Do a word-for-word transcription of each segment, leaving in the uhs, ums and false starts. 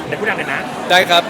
ดี๋ยวพูดดังเลยนะได้ครับ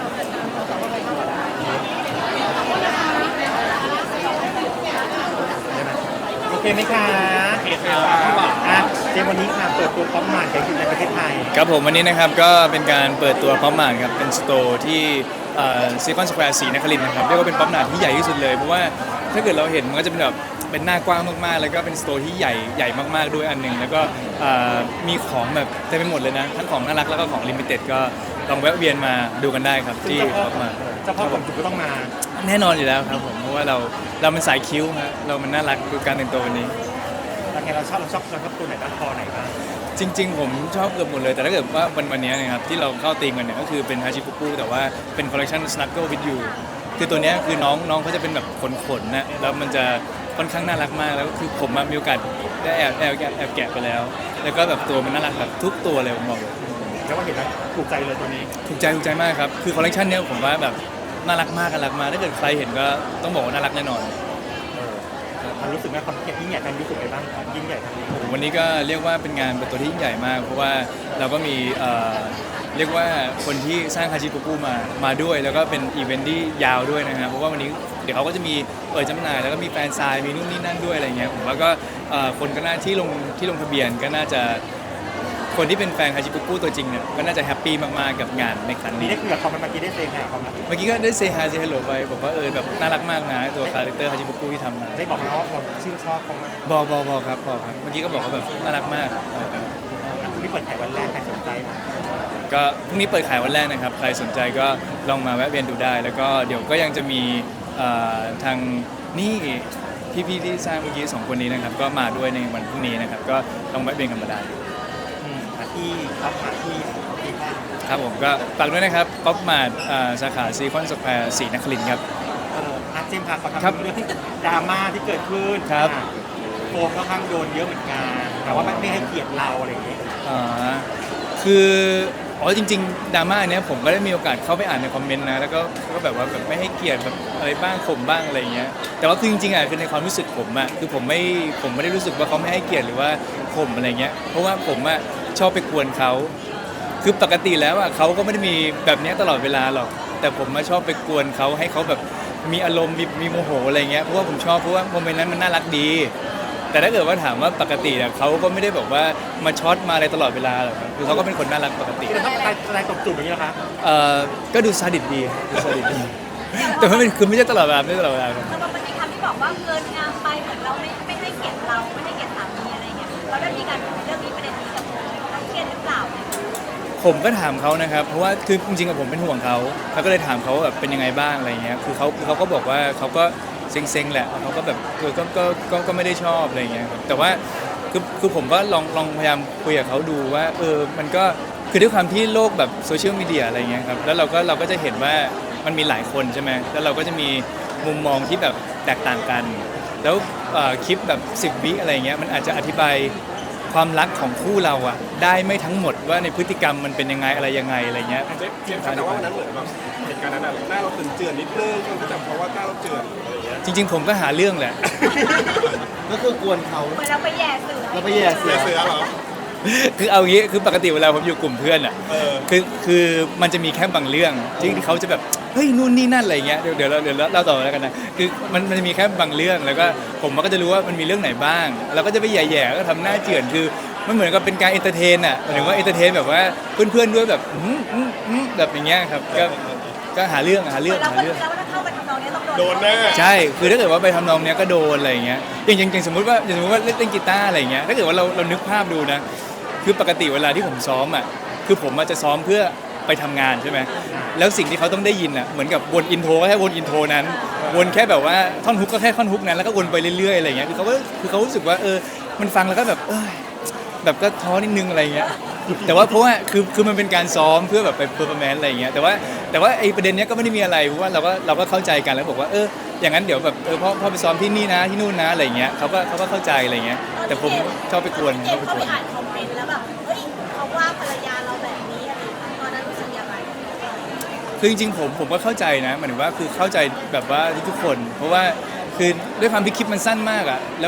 โอเคไหมคะโอเคครับอ่ะเจมวันนี้ค่ะเปิดตัวป๊อปมาร์ทกันในประเทศไทยครับผมวันนี้นะครับก็เป็นการเปิดตัวป๊อปมาร์ทครับเป็นสโตร์ที่ซีคอนสแควร์สีนครินทร์นะครับเรียกว่าเป็นป๊อปมาร์ทที่ใหญ่ที่สุดเลยเพราะว่าถ้าเกิดเราเห็นมันก็จะเป็นแบบเป็นหน้ากว้างมากๆแล้วก็เป็นสโตร์ที่ใหญ่ใหญ่มากๆด้วยอันหนึ่งแล้วก็มีของแบบเต็มไปหมดเลยนะทั้งของน่ารักแล้วก็ของลิมิเต็ดก็ลองแวะเวียนมาดูกันได้ครับที่ป๊อปมาร์ทเจ้าพ่อผมจุกก็ต้องมาแน่นอนอยู่แล้วครับผมเพราะว่าเราเรามันสายคิ้วฮะเรามันน่ารักดูการแต่งตัววันนี้แล้วไงเราชอบเราชอบเราชอบตัวไหนบ้างคอไหนบ้างจริงๆผมชอบเกือบหมดเลยแต่ถ้าเกิดว่าวันวันนี้นะครับที่เราเข้าตีมกันเนี่ยก็คือเป็นฮาชิปุกุแต่ว่าเป็นคอลเลคชัน Snuggle with you คือตัวนี้คือน้องน้องเขาจะเป็นแบบขนๆนะแล้วมันจะค่อนข้างน่ารักมากแล้วก็คือผมมีโอกาสได้แอบแอบแอบแกะไปแล้วแล้วก็แบบตัวมันน่ารักแบบทุกตัวเลยผมบอกเลยแล้วว่าเห็นแล้วถูกใจเลยตัวนี้ถูกใจถูกใจมากครับคือคอลเลคชันนี้ผมว่าแบบน่ารักมากน่ารักมากถ้าเกิดใครเห็นก็ต้องบอกว่าน่ารักแน่นอนมันรู้สึกไหมความยิ่งใหญ่กันรู้สึกไงบ้างยิ่งใหญ่ทั้งนี้วันนี้ก็เรียกว่าเป็นงานเปิดตัวที่ยิ่งใหญ่มากเพราะว่าเราก็มีเรียกว่าคนที่สร้างฮาจิปุกุมามาด้วยแล้วก็เป็นอีเวนต์ที่ยาวด้วยนะครับเพราะว่าวันนี้เดี๋ยวเขาก็จะมีเปิดจำหน่ายแล้วก็มีแฟนซายมีนู่นนี่นั่นด้วยอะไรเงี้ยผมว่าก็คนก็น่าที่ลงที่ลงทะเบียนก็น่าจะคนที่เป็นแฟนฮาจิปุกุตัวจริงเนี่ยก็น่าจะแฮปปี้มากๆกับงานในครั้งนี้ได้คุยกับเขาเมื่อกี้ได้เซฮายเขาไหมเมื่อกี้ก็ได้เซฮายเซฮัลโหลไปบอกว่าเออแบบน่ารักมากนะตัวคาแรคเตอร์ฮาจิปุกุที่ทำมาได้บอกเขาว่าเราชื่นชอบเขาไหมบอกบอกบอกครับบอกครับเมื่อกี้ก็บอกว่าแบบน่ารักมากพรุ่งนี้เปิดขายวันแรกใครสนใจก็พรุ่งนี้เปิดขายวันแรกนะครับใครสนใจก็ลองมาแวะเวียนดูได้แล้วก็เดี๋ยวก็ยังจะมีทางนี่พี่ๆที่สร้างเมื่อกี้สองคนนี้นะครับก็มาด้วยในวันพรุ่งนี้นะครับก็ลองแวะเวียนกันมาได้ที่ครับหาที่ที่ครับผมก็ฝากด้วยนะครับป๊อปมาร์ทสาขาซีคอนสแควร์สีนครินทร์ครับเอออาเจมส์ค่ะขอถามเรื่องที่ดราม่าที่เกิดขึ้นครับโฟมก็ข้างโดนเยอะเหมือนกันแต่ว่าไม่ให้เกียรติเราอะไรอย่างเงี้ยอ่าคืออ๋อจริงๆดราม่าเนี้ยผมก็ได้มีโอกาสเข้าไปอ่านในคอมเมนต์นะแล้วก็ก็แบบว่าแบบไม่ให้เกียรติแบบอะไรบ้างข่มบ้างอะไรอย่างเงี้ยแต่ว่าคือจริงๆอ่ะคือในความรู้สึกผมอ่ะคือผมไม่ผมไม่ได้รู้สึกว่าเขาไม่ให้เกียรติหรือว่าข่มอะไรเงี้ยเพราะว่าผมอ่ะชอบไปกวนเขาคือปกติแล้วอ่ะเขาก็ไม่ได้มีแบบนี้ตลอดเวลาหรอกแต่ผมมาชอบไปกวนเขาให้เขาแบบมีอารมณ์มีมีโมโหอะไรเงี้ยเพราะว่าผมชอบเพราะว่าโมเมนต์นั้นมันน่ารักดีแต่ถ้าเกิดว่าถามว่าปกติเนี่ยเขาก็ไม่ได้แบบว่ามาช็อตมาอะไรตลอดเวลาหรอกครับคือเขาก็เป็นคนน่ารักปกติแต่ถ้าอะไรอะไรตบจูบอย่างนี้นะคะเอ่อก็ดูซาดิสดีดูซาดิสดีแต่ว่าเป็นคือไม่ใช่ตลอดเวลาไม่ใช่ตลอดเวลาครับแต่มันมีคำที่บอกว่าเกินงามไปเหมือนเราไม่ไม่ให้เกียรติเราไม่ให้เกียรติสามีอะไรเงี้ยเราได้มีการคุยเรื่องนี้ประเด็นนี้กับเขาเครียดหรือเปล่าผมก็ถามเขานะครับเพราะว่าคือจริงๆกับผมเป็นห่วงเขาแล้วก็เลยถามเขาแบบเป็นยังไงบ้างอะไรเงี้ยคือเขาเขาก็บอกว่าเขาก็เซ็งๆแหละเขาก็แบบเออก็ก็ก็ก็ไม่ได้ชอบอะไรเงี้ยแต่ว่าคือคือผมก็ลองลองพยายามคุยกับเขาดูว่าเออมันก็คือด้วยความที่โลกแบบโซเชียลมีเดียอะไรเงี้ยครับแล้วเราก็เราก็จะเห็นว่ามันมีหลายคนใช่ไหมแล้วเราก็จะมีมุมมองที่แบบแตกต่างกันแล้วคลิปแบบสิบวิอะไรเงี้ยมันอาจจะอธิบายความรักของคู่เราอะได้ไม่ทั้งหมดว่าในพฤติกรรมมันเป็นยังไงอะไรยังไงอะไรเงี้ยเทียบแต่ว่าวันนั้นเหมือนแบบเหตุการณ์นั้นหน้าเราตื่นเจือนนิดนึงคนก็จะเพราะว่าหน้าเราเจือนอะไรเงี้ยจริงๆผมก็หาเรื่องแหละก็คือกวนเขาเหมือนเราไปแย่เสือเราไปแย่เสือเสือเหรอคือเอางี้คือปกติเวลาผมอยู่กลุ่มเพื่อนอ่ะคือคือมันจะมีแค่บางเรื่องที่เขาจะแบบเฮ้ยนู่นนี่นั่นอะไรเงี้ยเดี๋ยวเดี๋ยวเราเดี๋ยวเล่าต่อแล้วกันนะคือมันมันจะมีแค่บางเรื่องแล้วก็ผมก็จะรู้ว่ามันมีเรื่องไหนบ้างเราก็จะไปแย่ๆก็ทำหน้าเจือนคือมันเหมือนกับเป็นการเอนเตอร์เทนอ่ะหมายถึงว่าเอนเตอร์เทนแบบว่าเพื่อนๆด้วยแบบแบบอย่างเงี้ยครับก็ก็หาเรื่องหาเรื่องหาเรื่องโดนแน่ใช่คือถ้าเกิดว่าไปทำนองเนี้ยก็โดนอะไรเงี้ยอย่างอย่างสมมติว่าอย่างสมมติว่าเล่นเล่นกีตาร์อะไรเงี้ยถ้าเกิดว่าเราเรานึกภาพดูนะคือปกติเวลาที่ผมซ้อมอ่ะคือผมจะซ้อมเพื่อไปทำงานใช่ไหมแล้วสิ่งที่เขาต้องได้ยินอ่ะเหมือนกับวนอินโทรก็แค่วนอินโทรนั้นวนแค่แบบว่าท่อนฮุกก็แค่ท่อนฮุกนั้นแล้วก็วนไปเรื่อยๆอะไรเงี้ยคือเขาก็คือเขารู้สึกว่าเออมันฟังแล้วก็แบบเออแบบก็ท้อนิดนึงอะไรเงี้ยแต่ว่าเพราะว่าคือคือมันเป็นการซ้อมเพื่อแบบไปเพอร์ฟอร์แมนซ์อะไรเงี้ยแต่ว่าแต่ว่าไอ้ประเด็นเนี้ยก็ไม่ได้มีอะไรเพราะว่าเราก็เราก็เข้าใจกันแล้วบอกว่าเอออย่างนั้นเดี๋ยวแบบเออพ่อพ่อไปซ้อมที่นี่นะที่นู่นนะอะไรเงี้ยเขาก็เขาก็เข้าใจอะไรเงี้ยแต่ผมชอบไปกวนชอบไปกวนอ่านคอมเมนต์แล้วแบบเฮ้ยเขาว่าภรรยาเราแบบนี้อะไรตอนนั้นรู้สึกยังไงคือจริงๆผมผมก็เข้าใจนะหมายถึงว่าคือเข้าใจแบบว่าทุกคนเพราะว่าคือด้วยความที่คลิปมันสั้นมากอ่ะแล้ว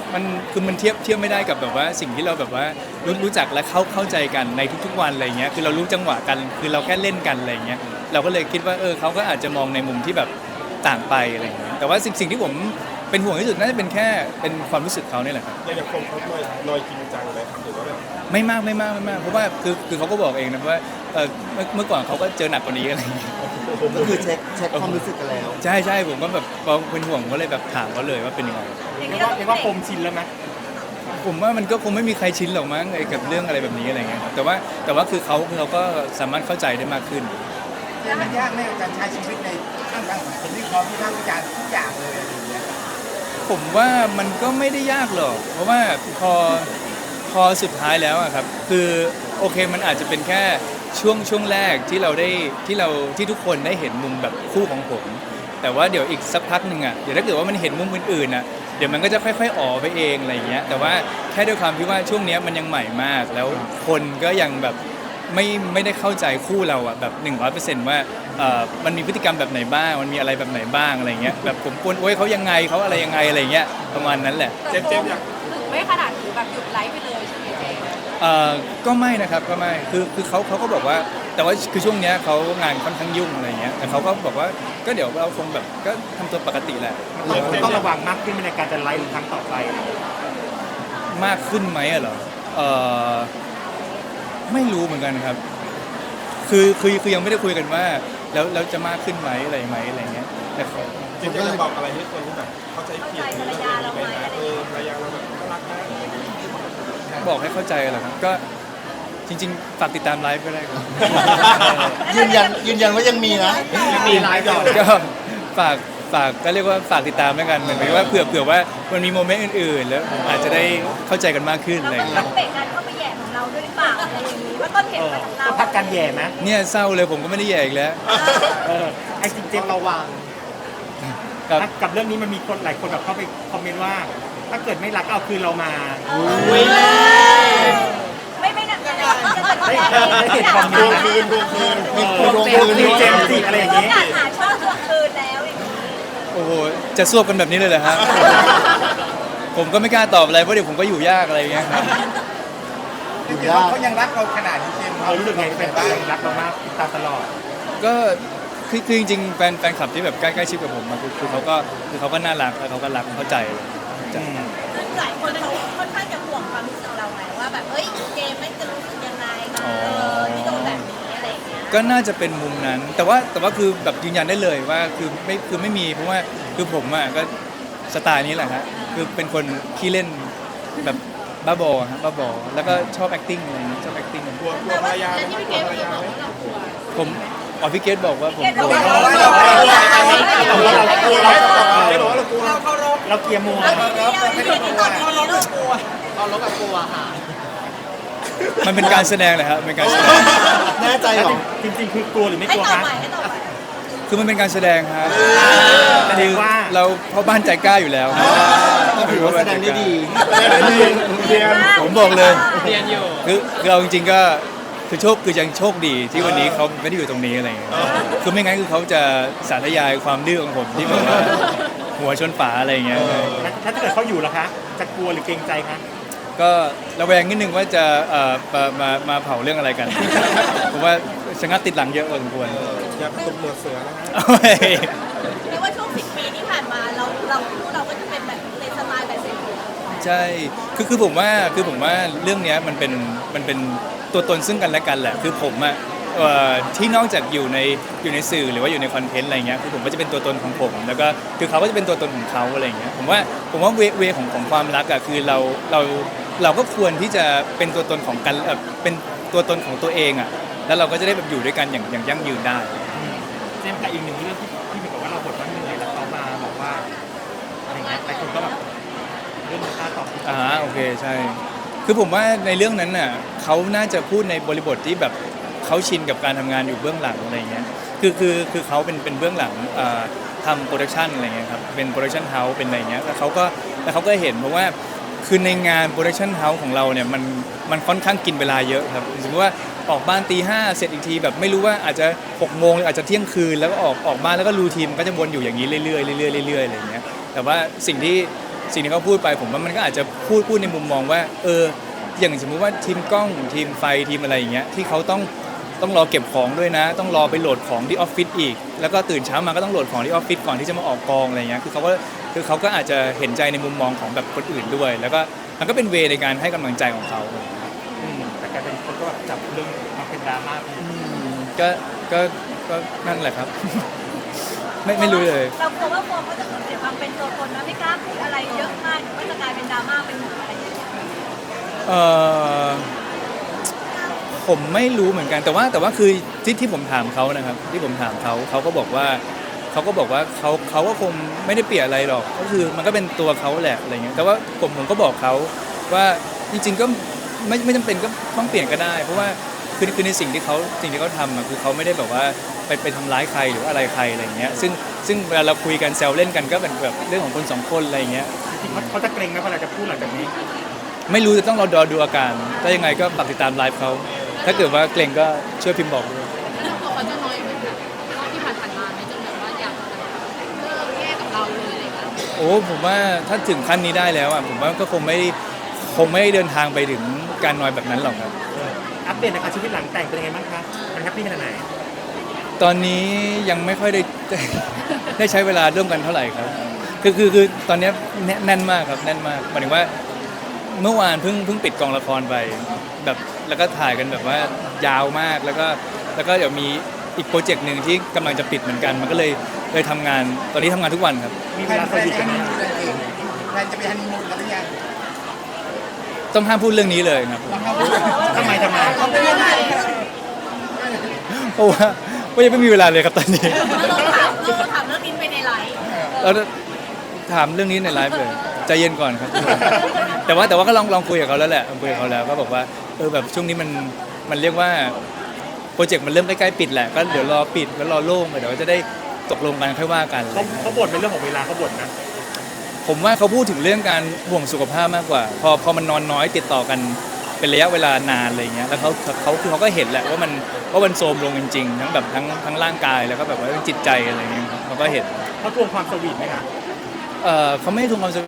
มันคือมันเทียบเทียบไม่ได้กับแบบว่าสิ่งที่เราแบบว่ารู้รู้จักและเข้าเข้าใจกันในทุกๆวันอะไรเงี้ยคือเรารู้จังหวะกันคือเราแค่เล่นกันอะไรเงี้ยเราก็เลยคิดว่าเออเขาก็อาจจะมองในมุมที่แบบต่างไปอะไรเงี้ยแต่ว่าสิ่งสิ่งที่ผมเป็นห่วงที่สุดน่าจะเป็นแค่เป็นความรู้สึกเขาเนี่ยแหละครับอย่างคนเขาลอยลอยจริงจังเลยหรือว่าแบบไม่มากไม่มากไม่มากเพราะว่าคือคือเขาก็บอกเองนะว่าเออเมื่อเมื่อก่อนเขาก็เจอหนักกว่านี้อะไรอย่างเงี้ยก็คือเช็คเช็คความรู้สึกกันแล้วใช่ใช่ผมก็แบบพอเป็นห่วงผมก็เลยแบบถามเขาเลยว่าเป็นยังไงอย่างเรียนี้กเราว่าต้องเรียกว่าคมชินแล้วไหมผมว่ามันก็คงไม่มีใครชินหรอกมั้งไอ้กับเรื่องอะไรแบบนี้อะไรเงี้ยครับแต่ว่าแต่ว่าคือเขาคือเขาก็สามารถเข้าใจได้มากขึ้นมันยากไหมกับการใช้ชีวิตในท่ามกลางสังคมที่พร้อมที่ท่ามวิจารณ์ทุกอย่างเลยอะไรอย่างเงี้ยผมว่ามันก็ไม่ได้ยากหรอกเพราะว่าพอพอสุดท้ายแล้วอะครับคือโอเคมันอาจจะเป็นแค่ช่วงช่วงแรกที่เราได้ที่เราที่ทุกคนได้เห็นมุมแบบคู่ของผม แต่ว่าเดี๋ยวอีกสักพักหนึ่งอ่ะเดี๋ยวถ้าเกิดว่ามันเห็นมุมอื่นๆอ่ะเดี๋ยวมันก็จะค่อยๆอ๋อไปเองอะไรอย่างเงี้ยแต่ว่าแค่ด้วยความที่ว่าช่วงเนี้ยมันยังใหม่มาก แล้วคนก็ยังแบบไม่ไม่ได้เข้าใจคู่เราอ่ะแบบหนึ่งร้อยเปอร์เซ็นต์ว่าเอ่อมันมีพฤติกรรมแบบไหนบ้างมันมีอะไรแบบไหนบ้างอะไรเงี้ยแบบผมกวนโอ้ยเขายังไงเขาอะไรยังไงอะไรเงี้ยประมาณนั้นแหละเจมส์เจมส์อยากถึงไม่ขนาดถึงแบบหยุดไลฟ์ไปเลยใช่ไหมเจมส์เอ่อก็ไม่นะครับก็ไม่คือคือเขาเขาก็บอกว่าแต่ว่าคือช่วงเนี้ยเขางานค่อนข้างยุ่งอะไรเงี้ยแต่เขาก็บอกว่าก็เดี๋ยวเราคงแบบก็ทำตัวปกติแหละเราต้องระวังมากขึ้นในการจะไลฟ์หรือครั้งต่อไปมากขึ้นไหมอะเหรอเออไม่รู้เหมือนกันครับ คือคือคือยังไม่ได้คุยกันว่า แล้วแล้วจะมากขึ้นไหมอะไรไหมอะไรเงี้ยแต่ขอเจมส์อยากจะบอกอะไรให้คนที่แบบเข้าใจผิดหรือว่าแบบนี้ไปนะเออภรรยาเราแบบน่ารักนะบอกให้เข้าใจเหรอครับก็จริงๆฝากติดตามไลฟ์ก็ได้ครับยืนยันยืนยันว่ายังมีนะยังมีไลฟ์ต่อก็ฝากฝากก็เรียกว่าฝากติดตามแล้วกันเหมือนกับว่าเผื่อเผื่อว่ามันมีโมเมนต์อื่นๆ แล้วอาจจะได้เข้าใจกันมากขึ้นเราอะไรต้องเงี้รัยบเบรกการเข้าไปแย่ของเราด้วยหรือเปล่าอะไรอย่างนี้ว่าต้นเหเอตุอมาจากเราก็พักกันแย่ไหมเนี่ยเศร้าเลยผมก็ไม่ได้แย่อีกแล้วเออไอ้จริงเจมส์ระวังกับกับเรื่องนี้มันมีคนหลายคนแบบเข้าไปคอมเมนต์ว่า ถ้าเกิดไม่รักเอาคืนเรามาไม่ไม่หนักใจจะตัดได้แรงได้เห็นคอมเมนต์นะคืนดวงคืนเออเจมส์จีเจมส์จีอะไรอย่างนี้งี้การหาช่องทวงคืนแล้วอย่างนี้โอ้โหจะซวบกันแบบนี้เลยเหรอฮะ ผมก็ไม่กล้าตอบอะไรเพราะเดี๋ยวผมก็อยู่ยากอะไรอย่างเงี้ยครับจริงๆเขายังรักเราขนาดนี้เจมส์เรารู้สึกไงเป็นบ้างรักเรามากติดตามตลอดก็คือคือจริงๆแฟนแฟนคลับที่แบบใกล้ใกล้ชิดกับผมอะคือคือเขาก็คือเขาก็น่ารักแล้วเขาก็รักเข้าใจเลยเข้าใจซึ่งหลายคนเขาค่อนข้างจะห่วงความรู้สึกเราไงว่าแบบเอ้ยเจมไม่จะรู้สึกยังไงกับเออที่โดนแบบนี้อะไรอย่างเงี้ยก็น่าจะเป็นมุมนั้น แต่ว่าแต่ว่าคือแบบยืนยันได้เลยว่าคือไม่คือไม่มีเพราะว่าคือผมอ่ะก็สไตล์นี้แหละฮะคือเป็นคนขี้เล่นแบบบ้าบอฮะบ้าบอแล้วก็ชอบ acting อะไรอย่างเงี้ยชอบ acting กลัวกลัวภรรยาไหมครับกลัวภรรยาไหมผมอ๋อพี่เกตบอกว่าผมเกรทโดบอกนว่าเราเราเรากลัวเราไม่บอกว่าเรากลัวเราเกียร์มัวเราเดียวไม่ได้ตอนนี้ลูกกลัวมันเป็นการแสดงเลยครับเป็นการแสดงแน่ใจเหรอจริงๆคือกลัวหรือไม่ให้กลัวต่อคะไปให้ต่อไปคือมันเป็นการแสดงครับแสดงว่าเราเพราะบ้านใจกล้าอยู่แล้วก็ถือว่าแสดงได้ดีเรียนผมบอกเลยเรียนอยู่คือคือเราจริงๆก็คือโชคคือยังโชคดีที่วันนี้เขาไม่ได้อยู่ตรงนี้อะไรอย่างเงี้ยคือไม่งั้นคือเขาจะสาธยายความดื้อของผมที่แบบว่าหัวชนฝาอะไรอย่างเงี้ยถ้าเกิดเขาอยู่ล่ะคะ จะกลัวหรือเกรงใจคะก็ระแวงนิดนึงว่าจะเอ่อมามามาเผาเรื่องอะไรกัน ผมว่าชะงัดติดหลังเยอะพอสมควรอย่าตบหนวดเสือนะฮะเอาไว้เรียกว่าช่วงสิบปีที่ผ่านมาเราเราคู่เราก็จะเป็นแบบในสไตล์แบบนี้ใช่คือคือผมว่าคือผมว่าเรื่องเนี้ยมันเป็นมันเป็นตัวตนซึ่งกันและกันแหละคือผมอะเอ่อที่นอกจากอยู่ในอยู่ในสื่อหรือว่าอยู่ในคอนเทนต์อะไรเงี้ยคือผมก็จะเป็นตัวตนของผม แล้วก็คือเขาก็จะเป็นตัวตนของเขาอะไรเงี้ยผมว่าผมว่าเวเวของของความรักอะคือเราเราเราก็ควรที่จะเป็นตัวตนของกันเอ่อเป็นตัวตนของตัวเองอะแล้วเราก็จะได้แบบอยู่ด้วยกันอย่างอย่างยั่งยืนได้เจมส์กับอีกหนึ่งเรื่องที่ที่เหมือนกับว่าเราบทว่าเหนื่อยแล้วเขามาบอกว่าอะไรเงี้ยหลายคนก็แบบเรื่องค่าตอบอ่าโอเคใช่ คือผมว่าในเรื่องนั้นน่ะเขาน่าจะพูดในบริบทที่แบบเขาชินกับการทำงานอยู่เบื้องหลังอะไรเงี้ยคือคือคือเขาเป็นเป็นเบื้องหลังอ่าทำโปรดักชันอะไรเงี้ยครับเป็นโปรดักชันเฮาส์เป็นอะไรเงี้ยแล้วเขาก็แล้วเขาก็เห็นเพราะว่าคือในงานโปรดักชันเฮาส์ของเราเนี่ยมันมันค่อนข้างกินเวลาเยอะครับสมมติว่าออกบ้านตีห้าเสร็จอีกทีแบบไม่รู้ว่าอาจจะหกโมงหรืออาจจะเที่ยงคืนแล้วก็ออกออกบ้านแล้วก็รูทีมก็จะวนอยู่อย่างนี้เรื่อยๆเรื่อยๆเรื่อยๆอะไรเงี้ยแต่ว่าสิ่งที่สิ่งที่เขาพูดไปผมว่ามันก็อาจจะพูดพูดในมุมมองว่าเอออย่างสมมุติว่าทีมกล้องทีมไฟทีมอะไรอย่างเงี้ยที่เขาต้องต้องรอเก็บของด้วยนะ ต้องรอไปโหลดของที่ออฟฟิศอีกแล้วก็ตื่นเช้ามาก็ต้องโหลดของที่ออฟฟิศก่อนที่จะมาออกกองอะไรเงี้ยคือเขาก็คือเขาก็อาจจะเห็นใจในมุมมองของแบบคนอื่นด้วย แล้วก็มันก็เป็นเวในการให้กำลังใจของเขาอืมแต่กลายเป็นคนก็แบบจับเรื่องมาเป็นดราม่าไปก็ก็ก็นั่นแหละครับ ไม่ไม่รู้เลยเรากลัวว่าโฟมเขาจะสูญเสียความเป็นตัวตนนะไม่กล้าพูดอะไรเยอะมากก็จะกลายเป็นดราม่าเป็นหมู่อะไรอย่างเงี้ยเออผมไม่รู้เหมือนกันแต่ว่าแต่ว่าคือที่ที่ผมถามเขานะครับ ที่ผมถามเขาเขาก็บอกว่าเขาก็บอกว่าเขาเขาก็คงไม่ได้เปลี่ยนอะไรหรอกก็คือมันก็เป็นตัวเขาแหละอะไรเงี้ยแต่ว่าผมผมก็บอกเขาว่าจริงๆก็ไม่ไม่จำเป็นก็ต้องเปลี่ยนก็ได้ เพราะว่าคือคือในสิ่งที่เขาสิ่งที่เขาทำอะคือเขาไม่ได้แบบว่าไปไปทำร้ายใครหรืออะไรใครอะไรเงี้ยซึ่งซึ่งเวลาเราคุยกันแซวเล่นกันก็เป็นแบบเรื่องของคนสองคนอะไรเงี้ยจริงๆเขาเขาจะเกรงไหมเวลาจะพูดหลังจากนี้ไม่รู้จะต้องรอดอดูอาการถ้ายังไงก็ฝากติดตามไลฟ์เขาถ้าเกิดว่าเกรงก็ช่วยพิมพ์บอกด้วยแล้วตัวเขาจะน้อยเหมือนแบบรอบที่ผ่านๆมาไหมจนแบบว่าอยากเลิกแยกกับเราเลยอะไรอย่างเงี้ยโอ้ผมว่าถ้าถึงขั้นนี้ได้แล้วอ่ะผมว่าก็คงไม่คงไม่เดินทางไปถึงการนอยแบบนั้นหรอกครับเอออัปเดตนะคะชีวิตหลังแต่งเป็นยังไงบ้างคะมันแฮปปี้ขนาดไหนตอนนี้ยังไม่ค่อยได้ ได้ใช้เวลาร่วมกันเท่าไหร่ครับคือคือคือตอนนี้แน่นมากครับแน่นมากหมายถึงว่าเมื่อวานเพิ่งเพิ่งปิดกองละครไปแบบแล้วก็ถ่ายกันแบบว่ายาวมากแล้วก็แล้วก็เดี๋ยวมีอีกโปรเจกต์หนึ่งที่กำลังจะปิดเหมือนกัน มันก็เลยเลยทำงานตอนนี้ทำงานทุกวันครับมีแพเวลลาน สแพลนวีทจะกันไหมมีอะไรเองแพลนจะไปฮันนีมูนกันหรือยังต้องห้ามพูดเรื่องนี้เลยครับทำไมทำไมเขาเป็นยังไงเพราะว่าเพราะยังไม่มีเวลาเลยครับตอนนี้เราถามเราถามเรื่องนี้ไปในไลฟ์เราถามเรื่องนี้ในไลฟ์เลยใจเย็นก่อนครับ แต่ว่าแต่ว่าก็ลองลองคุยกับเขาแล้วแหละลองคุยกับเขาแล้วก็บอกว่าเออแบบช่วงนี้มันมันเรียกว่าโปรเจกต์มันเริ่มใกล้ๆปิดแหละก็เดี๋ยวรอปิดแล้วรอโล่งไปเดี๋ยวจะได้ตกลงกันค่อยว่ากันเขาเขาบ่นเป็นเรื่องของเวลาเขาบ่นนะผมว่าเขาพูดถึงเรื่องการห่วงสุขภาพมากกว่า พอพอมันนอนน้อยติดต่อกันเป็นระยะเวลานานอะไรเงี้ยแล้วเขาเขาคือเขาก็เห็นแหละว่ามันว่ามันโทรมลงจริงๆทั้งแบบทั้งทั้งร่างกายแล้วก็แบบว่าจิตใจอะไรเงี้ยเขาก็เห็นเขาทวงความสวีทไหมคะเอ่อเขาไม่ได้ทวงความสุข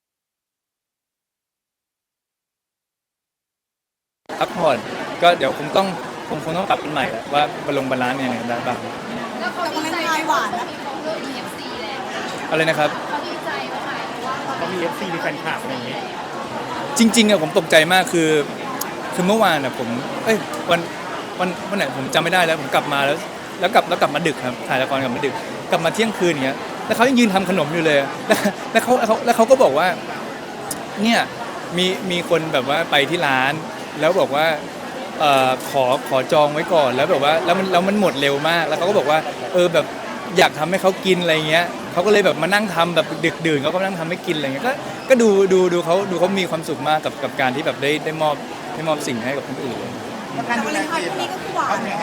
พักผ่อนก็เดี๋ยวคงต้องคงคงต้องปรับกันใหม่แหละว่าบาลงบาลานซ์ยังไงได้บ้างแล้วเขาดีใจหวานแล้วเขาเลิก อี เอฟ ซี แล้วอะไรนะครับเขาดีใจว่าหมายถึงว่าเขาเขามี เอฟ ซี มีแฟนคลับอะไรอย่างเงี้ยจริงๆอะผมตกใจมากคือคือเมื่อวานอะผมเอ้ยวันวันวันไหนผมจำไม่ได้แล้วผมกลับมาแล้วแล้วกลับแล้วกลับมาดึกครับถ่ายละครกลับมาดึกกลับมาเที่ยงคืนอย่างเงี้ยแล้วเขายังยืนทำขนมอยู่เลยแล้วแล้วเขาแล้วเขาแล้วเขาก็บอกว่าเนี่ยมีมีคนแบบว่าไปที่ร้าน แล้วบอกว่าเอ่อขอขอจองไว้ก่อนแล้วแบบว่าแล้วมันแล้วมันหมดเร็วมากแล้วเขาก็บอกว่าเออแบบอยากทำให้เขากินอะไรเงี้ยเขาก็เลยแบบมานั่งทำแบบดึกดื่นเขาก็มานั่งทำให้กินอะไรเงี้ยก็ก็ดูดูดูเขาดูเขามีความสุขมากกับกับการที่แบบได้ได้มอบได้มอบสิ่งให้กับคนอื่นการดูแลตัวเองนี่ก็คือหวานนะ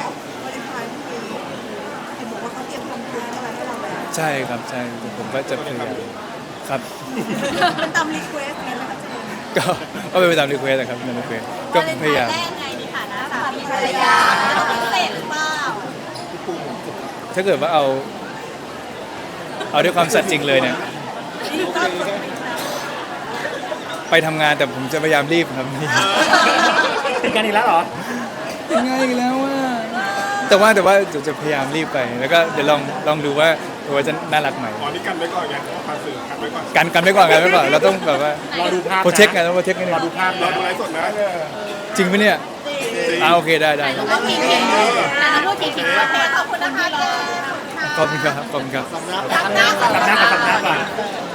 ใช่ครับใช่ผมก็จะพยายามครับมันตามรีเควสไงนะคะก็ก็เป็นไปตามรีเควสนะครับตามรีเควสก็พยายามแรกไงในฐานะสามีภรรยาพิเศษหรือเปล่าถ้าเกิดว่าเอาเอาด้วยความสัตย์จริงเลยเนี่ยไปทำงานแต่ผมจะพยายามรีบครับติดกันอีกแล้วเหรอยังไงอีกแล้วว่าแต่ว่าแต่ว่าเดี๋ยวจะพยายามรีบไป แล้วก็เดี๋ยวลองลองดูว่าว่าจะน่ารักไหมอ๋อนี่กันไว้ก่อนไงพาสื่อกันไว้ก่อนกันกันไว้ก่อนกันไว้ก่อนเราต้องแบบว่ารอดูภาพนะโปรเทคไงต้องโปรเทคกันรอดูภาพรอนะดูไลฟ์สดนะจริงไหมเนี่ยอ่าโอเคได้ได้ก็มีเพียงแต่ละรูปจริงๆโอเคขอบคุณนะคะขอบคุณครับขอบคุณครับทำหน้าก่อนทำหน้าก่อนทำหน้าก่อน